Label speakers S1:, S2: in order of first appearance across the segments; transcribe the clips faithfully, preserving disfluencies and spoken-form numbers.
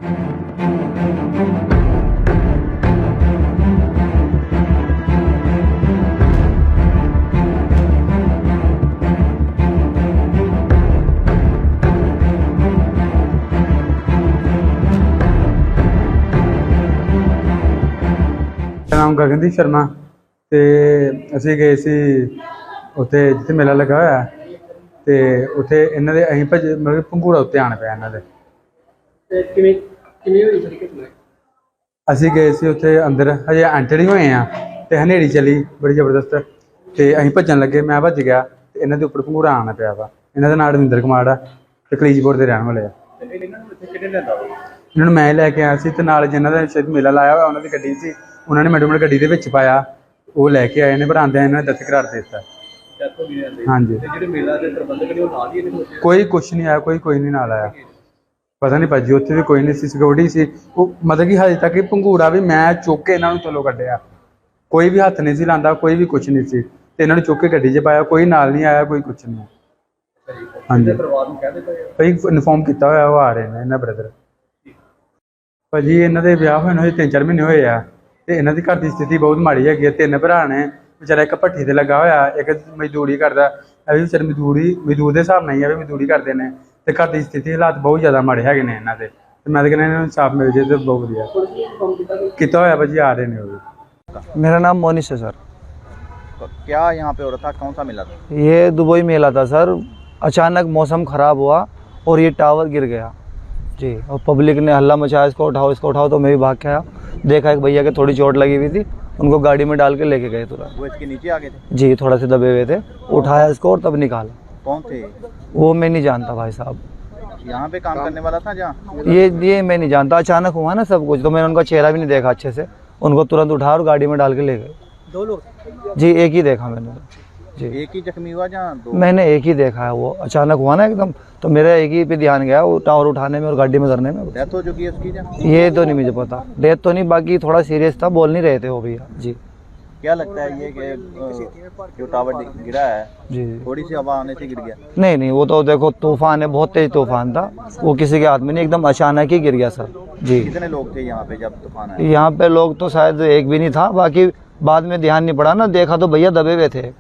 S1: नाम गगनदीप शर्मा ते असीं गए सी उत्थे जित्थे मेला लगा होया ते उत्थे इन्हां दे असीं भज मतलब पंघूड़ा उत्ते आना पिया इन्हां दे ते किवें किवें होई सारी घटना असीं गए सी उत्थे अंदर हजे एंटर ही होए आ ते हनेरी चली बड़ी जबरदस्त ते असीं भज्जन लगे मैं भज गया ते इन्हां दे उप्पर पंघूड़ा आना पिया वा इन्हां दा नाम रविंदर कुमार आ ते कलीजपुर दे रहण वाले आ इन्हां नूं मैं लैके आया सी ते नाल जिन्हां दा शायद मेला लाया होया उन्हां दी गड्डी सी उन्होंने मैडम ने गड्डी दे विच पाया वो लैके आए ने पर आंदे इन्होंने डेथ करार दे दिता। हाँ जी कोई कुछ नहीं आया कोई कोई नहीं नाल आया पता नहीं भाजी उत्थे भी कोई नहीं सी सिक्योरिटी सी वो मतलब कि हजे तक पंघूड़ा भी मैं चुक के इन्होंने थल्लों कड्ढिया कोई भी हत्थ नहीं सी लांदा कोई भी कुछ नहीं सी ते इन्होंने चुक के गड्डी च पाया कोई नाल नहीं आया कोई कुछ नहीं। हाँ जी भाई इनफॉर्म किया होया वो आ रहे हैं इन्हां ब्रदर भाजी इन्हां दे विआह होए ने तीन चार महीने होए आ ते इन्हां दी घर दी स्थिति बहुत माड़ी हैगी है तीन भरा ने बेचारा एक भट्ठी ते लगा होया एक मजदूरी करदा है भी बेचारे मजदूरी मजदूर दे हिसाब नाल ही है मजदूरी करदे ने ते घर दी स्थिति हालात बहुत ज़्यादा माड़े हैगे ने इन्हां दे ते मैं ते कहना इन्हां नूं इंसाफ मिल जाए तो बहुत वधिया कीता होया भाजी आ रहे ने वो।
S2: मेरा नाम मोनिश है सर।
S3: क्या यहाँ पे हो रहा था कौन सा मेला था?
S2: ये दुबई मेला था सर अचानक मौसम ख़राब हुआ और ये टावर गिर गया जी और पब्लिक ने हल्ला मचाया इसको उठाओ इसको उठाओ तो मैं भी भाग के आया देखा एक भैया के थोड़ी चोट लगी हुई थी उनको गाड़ी में डाल के लेके गए तुरंत।
S3: वो इसके नीचे आ गए थे?
S2: जी थोड़ा से दबे हुए थे उठाया इसको और तब निकाला।
S3: कौन थे
S2: वो मैं नहीं जानता भाई साहब।
S3: यहाँ पे काम करने वाला था जहाँ?
S2: ये ये मैं नहीं जानता अचानक हुआ ना सब कुछ तो मैंने उनका चेहरा भी नहीं देखा अच्छे से उनको तुरंत उठा और गाड़ी में डाल के ले गए।
S3: दो लोग?
S2: जी एक ही देखा मैंने जी।
S3: एक ही जख्मी हुआ जहाँ दो?
S2: मैंने एक ही देखा है वो अचानक हुआ ना एकदम तो मेरा एक ही पे ध्यान गया वो टावर उठाने में और गाड़ी में करने में।
S3: डेथ हो चुकी है उसकी जहाँ?
S2: ये तो नहीं मुझे पता डेथ तो नहीं बाकी थोड़ा सीरियस था बोल नहीं रहे थे वो भैया जी।
S3: क्या लगता है ये कि जो टावर गिरा है
S2: जी
S3: थोड़ी सी हवा आने से गिर गया?
S2: नहीं नहीं वो तो देखो तूफान है बहुत तेज तूफान था वो किसी के हाथ में नहीं एकदम अचानक ही गिर गया सर जी।
S3: कितने लोग थे यहाँ पे जब तूफान आया?
S2: यहाँ पे लोग तो शायद एक भी नहीं था बाकी बाद में ध्यान नहीं पड़ा ना देखा तो भैया दबे हुए थे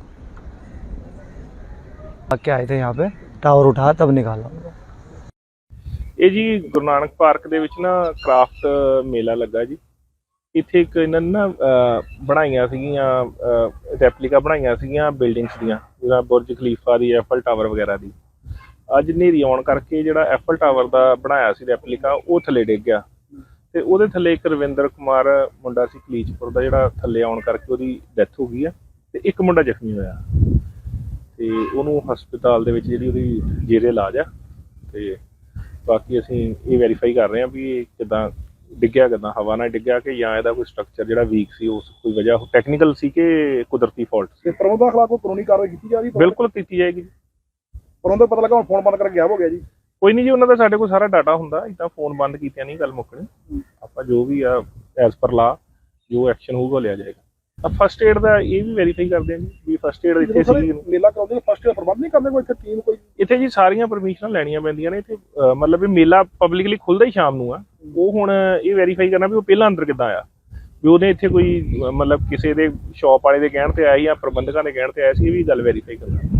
S2: क्या आए थे यहाँ पे टावर उठा तब निकाला।
S4: ਇਹ ਜੀ ਗੁਰੂ ਨਾਨਕ ਪਾਰਕ ਦੇ ਵਿੱਚ ਨਾ ਕ੍ਰਾਫਟ ਮੇਲਾ ਲੱਗਾ ਜੀ ਇੱਥੇ ਇੱਕ ਇਹਨਾਂ ਨੇ ਨਾ ਬਣਾਈਆਂ ਸੀਗੀਆਂ ਰੈਪਲੀਕਾ ਬਣਾਈਆਂ ਸੀਗੀਆਂ ਬਿਲਡਿੰਗਸ ਦੀਆਂ ਜਿਵੇਂ ਬੁਰਜ ਖਲੀਫਾ ਦੀ ਐਫਲ ਟਾਵਰ ਵਗੈਰਾ ਦੀ ਅੱਜ ਹਨੇਰੀ ਆਉਣ ਕਰਕੇ ਜਿਹੜਾ ਐਫਲ ਟਾਵਰ ਦਾ ਬਣਾਇਆ ਸੀ ਰੈਪਲੀਕਾ ਉਹ ਥੱਲੇ ਡਿੱਗ ਗਿਆ ਤੇ ਉਹਦੇ ਥੱਲੇ ਇੱਕ ਰਵਿੰਦਰ ਕੁਮਾਰ ਮੁੰਡਾ ਸੀ ਕਲੀਚਪੁਰ ਦਾ ਜਿਹੜਾ ਥੱਲੇ ਆਉਣ ਕਰਕੇ ਉਹਦੀ ਡੈਥ ਹੋ ਗਈ ਆ ਤੇ ਇੱਕ ਮੁੰਡਾ ਜ਼ਖਮੀ ਹੋਇਆ ਤੇ ਉਹਨੂੰ ਹਸਪਤਾਲ ਦੇ ਵਿੱਚ ਜਿਹੜੀ ਉਹਦੀ ਜੇਰੇ ਇਲਾਜ ਆ ਤੇ ਬਾਕੀ ਅਸੀਂ ਇਹ ਵੈਰੀਫਾਈ ਕਰ ਰਹੇ ਹਾਂ ਵੀ ਇਹ ਕਿੱਦਾਂ ਡਿੱਗਿਆ ਕਿੱਦਾਂ ਹਵਾ ਨਾਲ ਡਿੱਗਿਆ ਕਿ ਜਾਂ ਇਹਦਾ ਕੋਈ ਸਟਰਕਚਰ ਜਿਹੜਾ ਵੀਕ ਸੀ ਉਸ ਕੋਈ ਵਜ੍ਹਾ ਟੈਕਨੀਕਲ ਸੀ ਕਿ ਕੁਦਰਤੀ ਫਾਲਟ ਸੀ।
S5: ਪ੍ਰਬੰਧਕਾਂ ਖਿਲਾਫ ਕੋਈ ਕਾਨੂੰਨੀ ਕਾਰਵਾਈ ਕੀਤੀ ਜਾ ਰਹੀ?
S4: ਬਿਲਕੁਲ ਕੀਤੀ ਜਾਏਗੀ।
S5: ਪ੍ਰਬੰਧਕ ਪਤਾ ਲੱਗਾ ਹੁਣ ਫੋਨ ਬੰਦ ਕਰਕੇ ਗਾਇਬ ਹੋ ਗਿਆ ਜੀ?
S4: ਕੋਈ ਨਹੀਂ ਜੀ ਉਹਨਾਂ ਦਾ ਸਾਡੇ ਕੋਲ ਸਾਰਾ ਡਾਟਾ ਹੁੰਦਾ ਇੱਦਾਂ ਫੋਨ ਬੰਦ ਕੀਤਿਆਂ ਨਹੀਂ ਗੱਲ ਮੁੱਕਣੀ ਆਪਾਂ ਜੋ ਵੀ ਆ ਐਜ਼ ਪਰ ਲਾ ਜੋ ਐਕਸ਼ਨ ਹੋਊਗਾ ਲਿਆ ਜਾਏਗਾ। ਫਸਟ ਏਡ ਦਾ ਇਹ ਵੀ ਵੈਰੀਫਾਈ ਕਰਦੇ ਹਾਂ ਜੀ ਵੀ ਫਸਟ ਏਡ ਇੱਥੇ ਸੀ
S5: ਮੇਲਾ ਕਰਾਉਂਦੇ ਫਸਟ ਏਡ ਪ੍ਰਬੰਧ ਨਹੀਂ ਕਰਦੇ ਕੋਈ ਇੱਥੇ ਟੀਮ ਕੋਈ?
S4: ਇੱਥੇ ਜੀ ਸਾਰੀਆਂ ਪਰਮਿਸ਼ਨਾਂ ਲੈਣੀਆਂ ਪੈਂਦੀਆਂ ਨੇ ਇੱਥੇ ਮਤਲਬ ਵੀ ਮੇਲਾ ਪਬਲਿਕਲੀ ਖੁੱਲ੍ਹਦਾ ਹੀ ਸ਼ਾਮ ਨੂੰ ਆ ਉਹ ਹੁਣ ਇਹ ਵੈਰੀਫਾਈ ਕਰਨਾ ਵੀ ਉਹ ਪਹਿਲਾਂ ਅੰਦਰ ਕਿੱਦਾਂ ਆਇਆ ਵੀ ਉਹਨੇ ਇੱਥੇ ਕੋਈ ਮਤਲਬ ਕਿਸੇ ਦੇ ਸ਼ੌਪ ਵਾਲੇ ਦੇ ਕਹਿਣ ਤੇ ਆਇਆ ਜਾਂ ਪ੍ਰਬੰਧਕਾਂ ਦੇ ਕਹਿਣ ਤੇ ਆਇਆ ਸੀ ਇਹ ਵੀ ਗੱਲ ਵੈਰੀਫਾਈ ਕਰਨਾ।